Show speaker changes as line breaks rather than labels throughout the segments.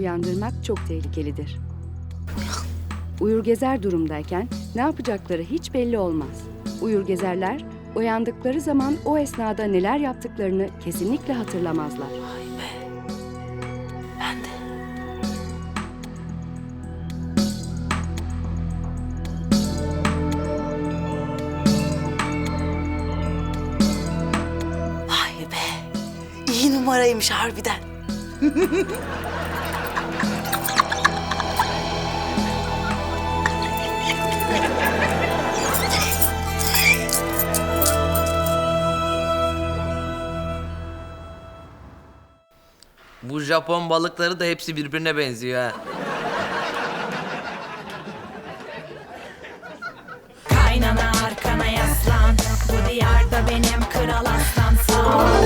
uyandırmak çok tehlikelidir. Uyur gezer durumdayken ne yapacakları hiç belli olmaz. Uyur gezerler uyandıkları zaman o esnada neler yaptıklarını kesinlikle hatırlamazlar.
Vay be. Ben de. Vay be. İyi numaraymış harbiden.
Bu Japon balıkları da hepsi birbirine benziyor ha.
Kaynana arkana yaslan. Bu diyarda benim kral aslan sağ ol.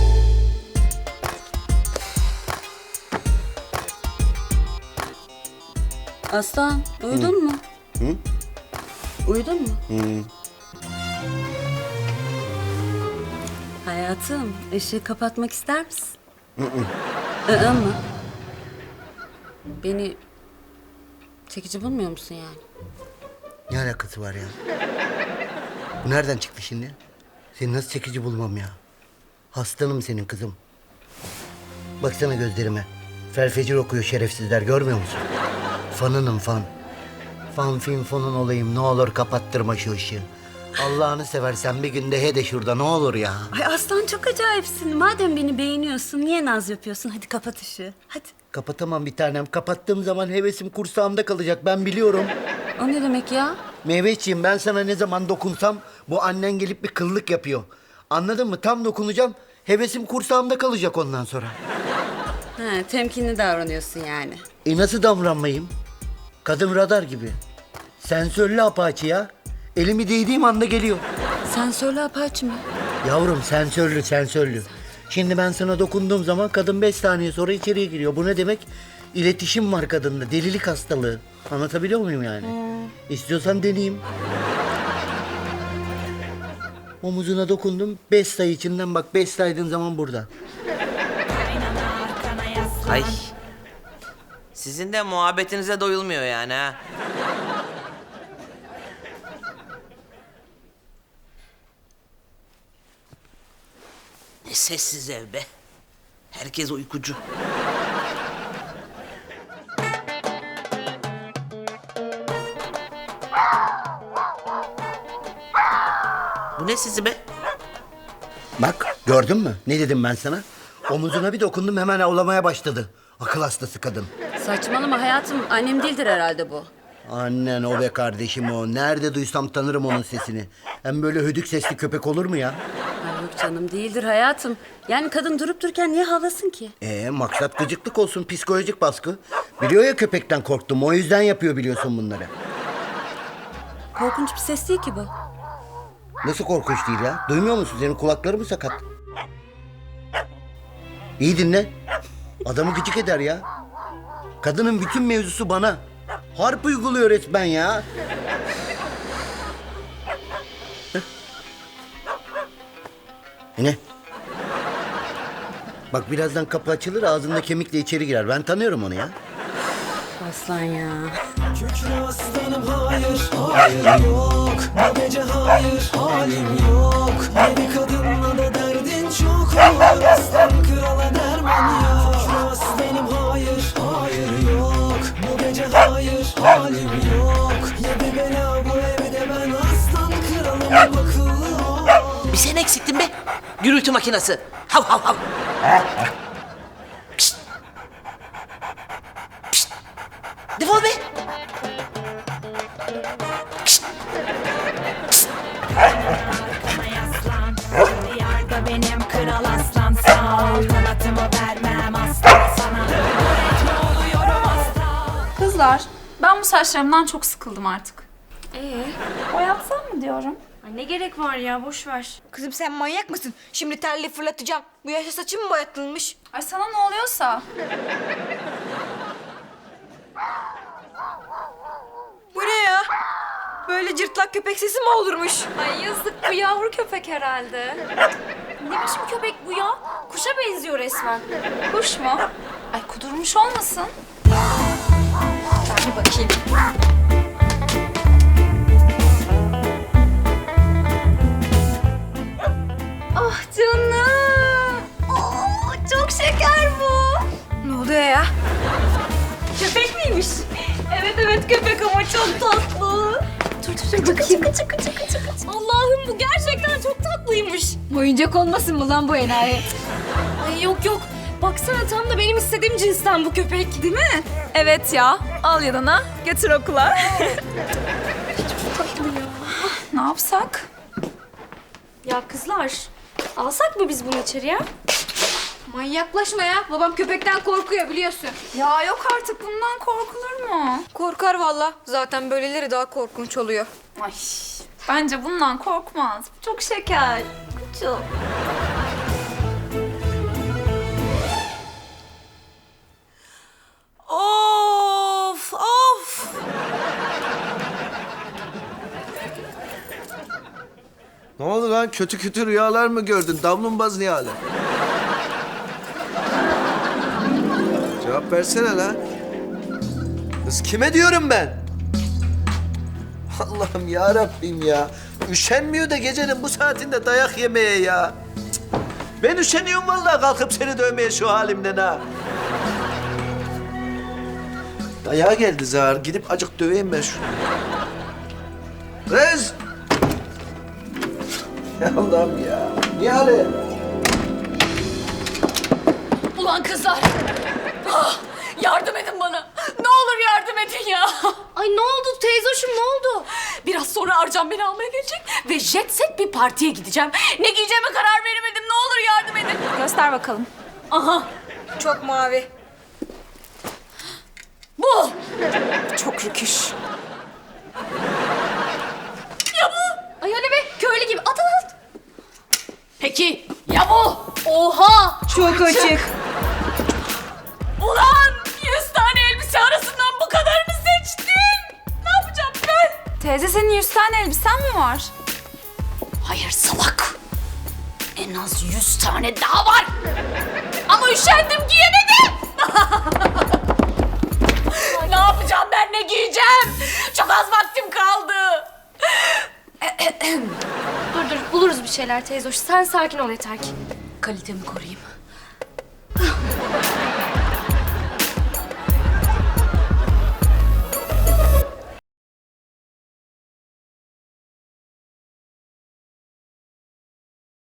Aslan, uyudun mu?
Hı?
Uyudun mu?
Hı.
Hayatım, ışığı kapatmak ister misin? Hı mı? Beni çekici bulmuyor musun yani?
Ne alakası var ya? Bu nereden çıktı şimdi? Seni nasıl çekici bulmam ya? Hastanım senin kızım. Baksana gözlerime. Felfecir okuyor şerefsizler, görmüyor musun? Fanınım fan. Fan fin fonun olayım, ne olur kapattırma şu ışığı. Allah'ını seversen bir günde he de şurada, ne olur ya.
Ay Aslan çok acayipsin. Madem beni beğeniyorsun, niye naz yapıyorsun? Hadi kapat ışığı, hadi.
Kapatamam bir tanem. Kapattığım zaman hevesim kursağımda kalacak, ben biliyorum.
O ne demek ya?
Meyveciğim, ben sana ne zaman dokunsam bu annen gelip bir kıllık yapıyor. Anladın mı? Tam dokunacağım, hevesim kursağımda kalacak ondan sonra.
Ha, temkinli davranıyorsun yani.
Nasıl davranmayayım? Kadın radar gibi. Sensörlü apaçi ya. Elimi değdiğim anda geliyor.
Sen söyle Apache mi?
Yavrum sensörlü, sensörlü. Şimdi ben sana dokunduğum zaman kadın 5 saniye sonra içeriye giriyor. Bu ne demek? İletişim var kadında, delilik hastalığı. Anlatabiliyor muyum yani? İstiyorsan deneyeyim. Omuzuna dokundum, 5 sayı içinden bak, 5 saydığın zaman burada.
Kaynana arkana yaslan.
Ay. Sizin de muhabbetinize doyulmuyor yani ha. Ne sessiz ev be. Herkes uykucu. Bu ne sizi be?
Bak, gördün mü? Ne dedim ben sana? Omuzuna bir dokundum, hemen avlamaya başladı. Akıl hastası kadın.
Saçmalama hayatım. Annem değildir herhalde bu.
Annen o be kardeşim o. Nerede duysam tanırım onun sesini. Hem böyle hödük sesli köpek olur mu ya?
Ay yok canım değildir hayatım. Yani kadın durup dururken niye havlasın ki?
Maksat gıcıklık olsun, psikolojik baskı. Biliyor ya köpekten korktum, o yüzden yapıyor biliyorsun bunları.
Korkunç bir ses değil ki bu.
Nasıl korkunç değil ya? Duymuyor musun? Senin kulakları mı sakat? İyi dinle. Adamı gıcık eder ya. Kadının bütün mevzusu bana. Harp uyguluyor resmen ya. Ne? Bak birazdan kapı açılır, ağzında kemikle içeri girer. Ben tanıyorum onu ya.
Aslan ya.
Kükre aslanım hayır, hayır yok. Bu gece hayır, halim yok. Yedi kadınla da derdin çok olur. Aslan krala derman yok. Kükre aslanım hayır, hayır yok. Bu gece hayır, halim yok. Yedi bela bu evde ben aslan kralım akıllı ol.
Bir sen eksiktin be. Gürültü makinesi. Hav hav hav. Pişt. Pişt. Defol be. Pişt. Pişt.
Arkana yaslan. Bu diyarda benim kral aslan sağ ol. Kanatımı vermem asla sana. Öğretme oluyorum asla.
Kızlar, ben bu saçlarımdan çok sıkıldım artık.
Boyatsam mı diyorum?
Ay ne gerek var ya, boş ver. Kızım sen manyak mısın? Şimdi terli fırlatacağım. Bu yaşta saçım mı boyatılmış?
Ay sana ne oluyorsa.
Bu ne ya? Böyle cırtlak köpek sesi mi olurmuş?
Ay yazık, bu yavru köpek herhalde.
Ne biçim köpek bu ya? Kuşa benziyor resmen.
Kuş mu? Ay kudurmuş olmasın?
bakayım.
Ah canım. Çok şeker bu.
Ne oluyor ya?
Köpek miymiş? Evet köpek ama çok tatlı. Dur bakayım. Allah'ım bu gerçekten çok tatlıymış.
Oyuncak olmasın mı lan bu enayi?
Ay yok. Baksana tam da benim istediğim cinsten bu köpek. Değil mi?
Evet ya. Al yanına. Götür okula. Ne yapsak?
Ya kızlar alsak mı biz bunu içeriye?
Manyaklaşma ya. Babam köpekten korkuyor biliyorsun.
Ya yok artık bundan korkulur mu?
Korkar valla. Zaten böyleleri daha korkunç oluyor.
Ay bence bundan korkmaz. Çok şeker. Çok.
Of.
Ne oldu lan? Kötü rüyalar mı gördün? Damlumbaz Nihal'e. Cevap versene lan. Kız kime diyorum ben? Allah'ım ya Rabbim ya. Üşenmiyor da gecenin bu saatinde dayak yemeye ya. Cık. Ben üşeniyorum vallahi kalkıp seni dövmeye şu halimden ha. Dayağa geldi zar. Gidip acık döveyim ben şunu. Kız! Ya Allah'ım ya. Nihale!
Ulan kızlar. Yardım edin bana. Ne olur yardım edin ya. Ay ne oldu teyzoşum ne oldu? Biraz sonra Arcan beni almaya gelecek ve jet set bir partiye gideceğim. Ne giyeceğime karar veremedim. Ne olur yardım edin.
Göster bakalım.
Aha
Çok mavi.
bu.
Çok rüküş.
Ya bu. Ay öyle be köylü gibi at. Peki ya bu? Oha.
Çok açık.
Ulan 100 tane elbise arasından bu kadarını seçtim. Ne yapacağım ben?
Teyze senin 100 tane elbisen mi var?
Hayır salak. En az 100 tane daha var. Ama üşendim giyemedim. Ne yapacağım ben ne giyeceğim? Çok az vaktim kaldı.
Dur buluruz bir şeyler teyze hoş. Sen sakin ol yeter ki.
Kalitemi koruyayım.